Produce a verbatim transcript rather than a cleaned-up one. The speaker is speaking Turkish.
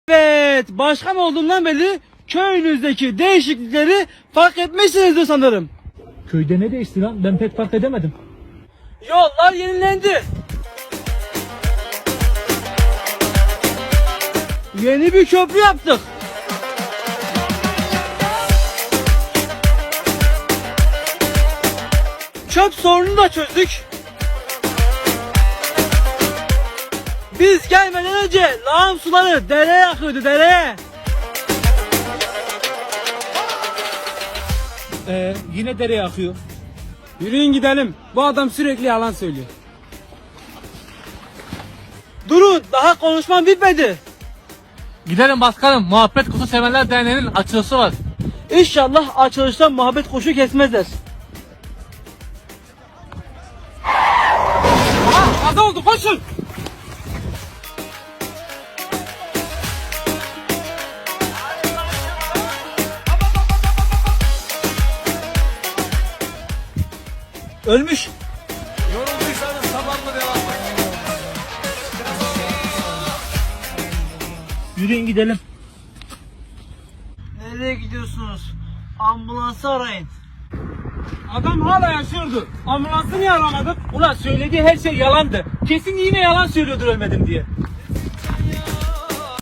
Evet, başkan olduğumdan beri köyünüzdeki değişiklikleri fark etmişsinizdir sanırım. Köyde ne değişti lan? Ben pek fark edemedim. Yollar yenilendi. Yeni bir köprü yaptık. Çöp sorununu da çözdük. Biz gelmeden önce lağım suları dereye akıyordu, dereye. Ee, yine dereye akıyor. Yürüyün gidelim. Bu adam sürekli yalan söylüyor. Durun, daha konuşmam bitmedi. Gidelim başkanım. Muhabbet Kuşu Sevenler Derneği'nin açılışı var. İnşallah açılışta muhabbet kuşu kesmezler. Aha, kaza oldu, koşun. Ölmüş. Yorulduysanız sabahla devam edin. Yürüyün gidelim. Nereye gidiyorsunuz? Ambulansı arayın. Adam hala yaşıyordu. Ambulansı niye aramadık? Ulan söylediği her şey yalandı. Kesin yine yalan söylüyordur ölmedim diye.